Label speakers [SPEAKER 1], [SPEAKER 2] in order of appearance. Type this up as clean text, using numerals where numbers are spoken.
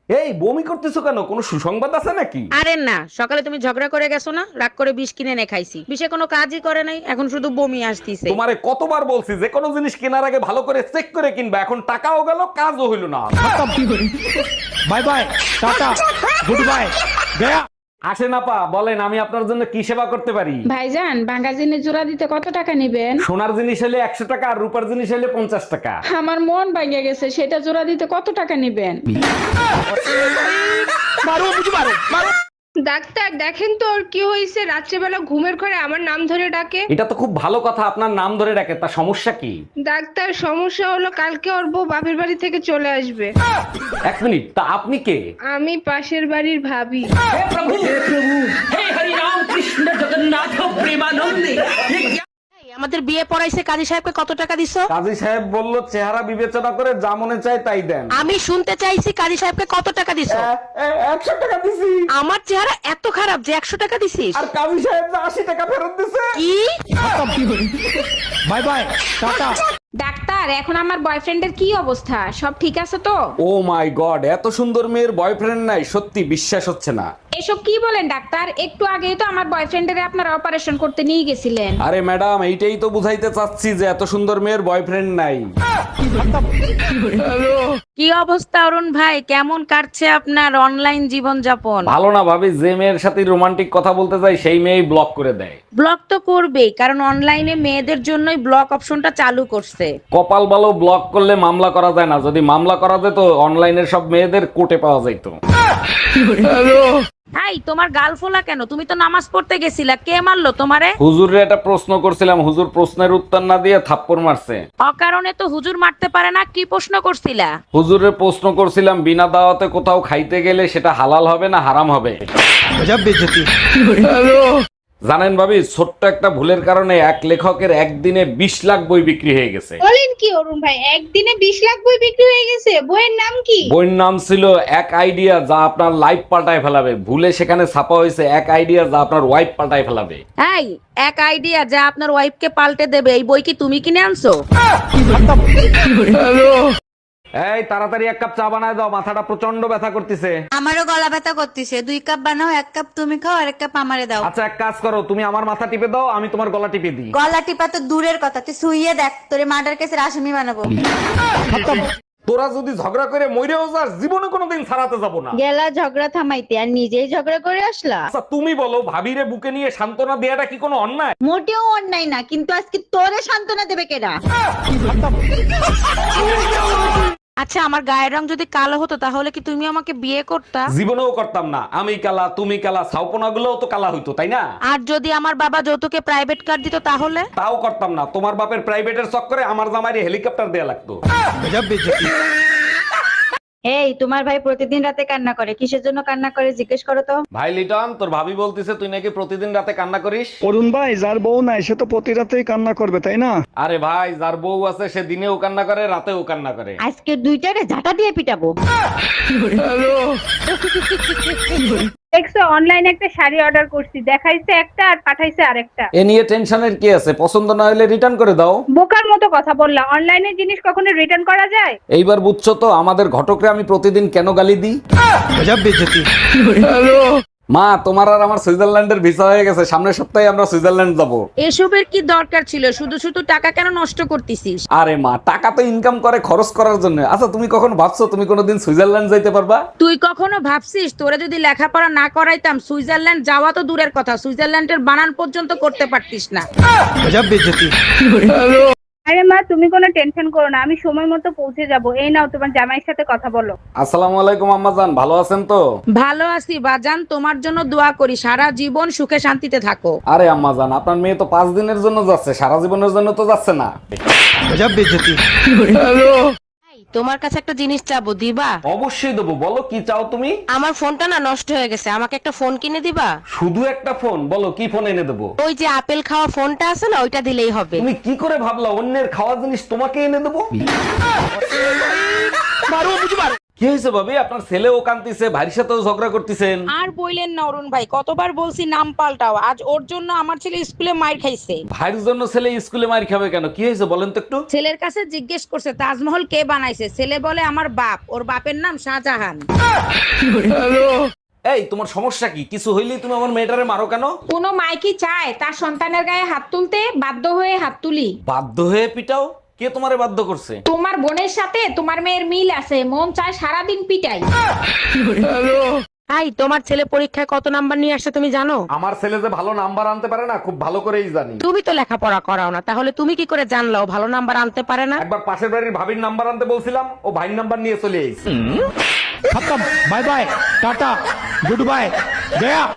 [SPEAKER 1] এই বমি করতেছো কেন? কোনো সুসংবাদ আছে নাকি?
[SPEAKER 2] আরে না, সকালে তুমি ঝগড়া করে গেছো না, রাগ করে বিষ কিনে এনে খাইছি, বিষে কোনো কাজই করে নাই, এখন শুধু বমি আসতিছে।
[SPEAKER 1] তোমারে কতবার বলছি যে কোনো জিনিস কেনার আগে ভালো করে চেক করে কিনবা, এখন টাকাও গেল কাজও হইল না।
[SPEAKER 3] Bye bye, tata, good bye, গয়া।
[SPEAKER 1] আসেন আপা, বলেন আমি আপনার জন্য কি সেবা করতে পারি?
[SPEAKER 4] ভাইজান, ভাঙা জিনিস জোড়া দিতে কত টাকা নিবেন?
[SPEAKER 1] সোনার জিনিস হলে 100 টাকা, আর রূপার জিনিস হলে 50 টাকা।
[SPEAKER 4] আমার মন ভাঙে গেছে, সেটা জোড়া দিতে কত টাকা নিবেন?
[SPEAKER 5] ডাক্তার দেখেন তো ওর কি হয়েছে, রাত্রেবেলা ঘুমের ঘরে আমার নাম ধরে ডাকে।
[SPEAKER 1] এটা তো খুব ভালো কথা, আপনার নাম ধরে ডাকে, তা সমস্যা কি?
[SPEAKER 5] ডাক্তার সমস্যা হলো কালকে ওর বউ বাপের বাড়ি থেকে চলে আসবে।
[SPEAKER 1] 1 মিনিট, তা আপনি কে?
[SPEAKER 5] আমি পাশের বাড়ির ভাবি।
[SPEAKER 2] আমাদের বিয়ে পড়াইছে, কাজী সাহেবকে কত টাকা দিছো?
[SPEAKER 1] কাজী সাহেব বলল চেহারা বিবেচনা করে যা মনে চায় তাই দেন।
[SPEAKER 2] আমি শুনতে চাইছি কাজী সাহেবকে কত টাকা দিছো।
[SPEAKER 1] 100 টাকা দিছি।
[SPEAKER 2] আমার চেহারা এত খারাপ যে 100 টাকা দিছিস?
[SPEAKER 1] আর কাজী সাহেব যে 80 টাকা ফেরত দিছে।
[SPEAKER 2] কি?
[SPEAKER 3] By bye, tata.
[SPEAKER 4] ডাক্তার, এখন আমার বয়ফ্রেন্ডের কি অবস্থা? সব ঠিক আছে তো?
[SPEAKER 1] ও মাই গড, এত সুন্দর মেয়ের বয়ফ্রেন্ড নাই? সত্যি বিশ্বাস হচ্ছে না।
[SPEAKER 4] এসব কি বলেন ডাক্তার? একটু আগেই তো আমার বয়ফ্রেন্ডের আপনারা অপারেশন করতে নিয়ে গেছিলেন।
[SPEAKER 1] আরে ম্যাডাম, এইটাই তো বুঝাইতে চাচ্ছি যে এত সুন্দর মেয়ের বয়ফ্রেন্ড নাই।
[SPEAKER 2] কি অবস্থা অরুণ ভাই, কেমন কাটছে আপনার অনলাইন জীবন যাপন?
[SPEAKER 1] ভালো না ভাবি, যে মেয়ের সাথে রোমান্টিক কথা বলতে যাই সেই মেয়েই ব্লক করে দেয়।
[SPEAKER 2] ব্লক তো করবেই, কারণ অনলাইনে মেয়েদের জন্যই ব্লক অপশনটা চালু করছে।
[SPEAKER 1] কপাল ভালো, ব্লক করলে মামলা করা যায় না। যদি মামলা করা যেত, অনলাইনের সব মেয়েদের কোর্টে পাওয়া যেত।
[SPEAKER 2] এই তোমার গাল ফোলা কেন? তুমি তো নামাজ পড়তে গেছিলা, কে মারলো তোমারে?
[SPEAKER 1] হুজুরে একটা প্রশ্ন করছিলাম, হুজুর প্রশ্নের উত্তর না দিয়ে থাপ্পড় মারছে।
[SPEAKER 2] অকারণে তো হুজুর মারতে পারে না, কি প্রশ্ন করছিলা?
[SPEAKER 1] হুজুরে প্রশ্ন করছিলাম, বিনা দাওয়াতে কোথাও খাইতে গেলে সেটা হালাল হবে না হারাম হবে?
[SPEAKER 3] গজব বেইজ্জতি।
[SPEAKER 1] জানেন ভাবি, ছোট্ট একটা ভুলের কারণে এক লেখকের একদিনে 20 লাখ বই বিক্রি হয়ে গেছে।
[SPEAKER 5] বলেন কি অরুণ ভাই, একদিনে 20 লাখ বই বিক্রি হয়ে গেছে? বইয়ের নাম কি?
[SPEAKER 1] বইয়ের নাম ছিল এক আইডিয়া যা আপনার লাইফ পাল্টায় ফেলাবে। ভুলে সেখানে ছাপা হয়েছে এক আইডিয়া যা আপনার ওয়াইফ পাল্টায় ফেলাবে।
[SPEAKER 2] এই এক আইডিয়া যা আপনার ওয়াইফকে পাল্টে দেবে, এই বই কি তুমি কিনে আনছো?
[SPEAKER 1] এই তাড়াতাড়ি 1 কাপ চা বানায় দাও, মাথাটা প্রচন্ড ব্যথা করতেছে।
[SPEAKER 6] আমারও গলা ব্যথা করতেছে, 2 কাপ বানাও, 1 কাপ তুমি খাও আর 1 কাপ আমারে দাও।
[SPEAKER 1] আচ্ছা, এক কাজ করো, তুমি আমার মাথা টিপে দাও, আমি তোমার গলা টিপে দিই।
[SPEAKER 6] গলা টিপা তো দূরের কথা, তুই শুইয়ে দেখ, তোরে মার্ডার কেসের আসামি বানাবো।
[SPEAKER 1] তোরা যদি ঝগড়া করে মইরেও যাস, জীবনে কোনোদিন ছাড়াতে যাব না।
[SPEAKER 7] গেলা ঝগড়া থামাইতে আর নিজেই ঝগড়া করে আসলা।
[SPEAKER 1] আচ্ছা তুমি বলো, ভাবিরে বুকে নিয়ে সান্ত্বনা দেয়াটা কি কোনো অন্যায়?
[SPEAKER 7] মোটেও অন্যায় না, কিন্তু আজকে তোরে সান্ত্বনা দেবে কেডা?
[SPEAKER 2] আচ্ছা, আমার গায়ের রং যদি কালো হতো তাহলে কি তুমি আমাকে বিয়ে করতা?
[SPEAKER 1] জীবনেও করতাম না। আমি কালা, তুমি কালা, ছাউপনা গুলোও তো কালা হইতো, তাই না?
[SPEAKER 2] আর যদি আমার বাবা যৌতুকে প্রাইভেট কার দিত তাহলে?
[SPEAKER 1] তাও করতাম না। তোমার বাপের প্রাইভেটের চক্করে আমার জামাইরে হেলিকপ্টার দেয়া লাগতো।
[SPEAKER 3] গজব বেইজ্জতি।
[SPEAKER 7] এই, তোমার ভাই প্রতিদিন রাতে কান্না করে, কিসের জন্য কান্না করে জিজ্ঞেস করো তো।
[SPEAKER 1] ভাই লিটন, তোর ভাবি বলতিছে তুই নাকি প্রতিদিন রাতে কান্না করিস।
[SPEAKER 8] অরুণ ভাই, যার বউ নাই সে তো প্রতি রাতেই কান্না করবে, তাই না?
[SPEAKER 1] আরে ভাই, যার বউ আছে সে দিনেও কান্না করে, রাতেও কান্না করে।
[SPEAKER 7] আজকে দুইটারে ঝাঁটা দিয়ে পিটাবো।
[SPEAKER 5] দেখছো অনলাইনে একটা শাড়ি অর্ডার করছি, দেখাইছে একটা আর পাঠাইছে আরেকটা।
[SPEAKER 1] এ নিয়ে টেনশনের কি আছে? পছন্দ না হলে রিটার্ন করে দাও।
[SPEAKER 5] বোকার মতো কথা বললা, অনলাইনে জিনিস কখনো রিটার্ন করা যায়?
[SPEAKER 1] এইবার বুঝছো তো আমাদের ঘটকরে আমি প্রতিদিন কেন গালি দিই।
[SPEAKER 3] গজব বেইজ্জতি।
[SPEAKER 1] মা, তোমার আর আমার সুইজারল্যান্ডের ভিসা হয়ে গেছে, সামনের সপ্তাহে আমরা সুইজারল্যান্ড যাব।
[SPEAKER 2] এসবের কি দরকার ছিল? শুধু শুধু টাকা কেন নষ্ট করতেছিস?
[SPEAKER 1] আরে মা, টাকা তো ইনকাম করে খরচ করার জন্য। আচ্ছা, তুমি কখন ভাবছো তুমি কোনোদিন সুইজারল্যান্ড যাইতে পারবা?
[SPEAKER 2] তুই কখনো ভাবছিস তোরে যদি লেখাপড়া না করাইতাম সুইজারল্যান্ড যাওয়া তো দূরের কথা, সুইজারল্যান্ডের বানান পর্যন্ত করতে পারতিস না।
[SPEAKER 3] গজব বেইজ্জতি।
[SPEAKER 5] আরে মা, তুমি কোনো টেনশন করো না, আমি সময় মতো পৌঁছে যাব। এই নাও, তোমার জামাইয়ের সাথে কথা বলো।
[SPEAKER 1] আসসালামু আলাইকুম আম্মাজান, ভালো আছেন তো?
[SPEAKER 2] ভালো আছি বাজান, তোমার জন্য দোয়া করি সারা জীবন সুখে শান্তিতে থাকো।
[SPEAKER 1] আরে আম্মাজান, আপনার মেয়ে তো 5 দিনের জন্য যাচ্ছে, সারা জীবনের জন্য তো যাচ্ছে না।
[SPEAKER 3] গজব বেইজ্জতি।
[SPEAKER 2] তোমার কাছে একটা জিনিস চাবো, দিবা?
[SPEAKER 1] অবশ্যই দেবো, বলো কি চাও তুমি?
[SPEAKER 2] আমার ফোনটা না নষ্ট হয়ে গেছে, আমাকে একটা ফোন কিনে দিবা?
[SPEAKER 1] শুধু একটা ফোন? বলো কি ফোন এনে দেবো।
[SPEAKER 2] ওই যে আপেল খাওয়া ফোনটা আছে না, ওইটা দিলেই হবে।
[SPEAKER 1] তুমি কি করে ভাবলা অন্যের খাওয়া জিনিস তোমাকে এনে দেবো? কি হয়েছে ভাবি, আপনার ছেলেও কাঁদতেছে, ভাইয়ের সাথেও ঝগড়া করতেছেন।
[SPEAKER 2] আর বইলেন না অরুণ ভাই, কতবার বলছি নাম পাল্টাও, আজ ওর জন্য আমার ছেলে স্কুলে মাইর খাইছে।
[SPEAKER 1] ভাইয়ের জন্য ছেলে স্কুলে মার খাবে কেন? কি হয়েছে বলেন তো একটু।
[SPEAKER 2] ছেলের কাছে জিজ্ঞেস করছে তাজমহল কে বানাইছে, ছেলে বলে আমার বাপ, ওর বাপের নাম শাহজাহান।
[SPEAKER 1] এই তোমার সমস্যা কি? কিছু হইলেই তুমি আমার মেয়েটারে মারো কেন?
[SPEAKER 4] কোনো মাই কি চায় তার সন্তানের গায়ে হাত তুলতে? বাধ্য হয়ে হাত তুলি।
[SPEAKER 1] বাধ্য হয়ে পিটাও? কে তোমারে বাধ্য করছে?
[SPEAKER 4] তোমার বোনের সাথে তোমার মেয়ের মিল আছে, মন চায় সারাদিন পিটাই।
[SPEAKER 2] ভাই, তোমার ছেলে পরীক্ষায় কত নাম্বার নিয়ে আসছে তুমি জানো?
[SPEAKER 1] আমার ছেলে যে ভালো নাম্বার আনতে পারে না, খুব ভালো করেই জানি।
[SPEAKER 2] তুমি তো লেখাপড়া করাও না, তাহলে তুমি কি করে জানলো ও ভালো নাম্বার আনতে পারে না?
[SPEAKER 1] একবার পাশের বাড়ির ভাবির নাম্বার আনতে বলছিলাম, ও ভাইয়ের নাম্বার নিয়ে চলে এসেছে।
[SPEAKER 3] खत्म bye bye tata good bye गया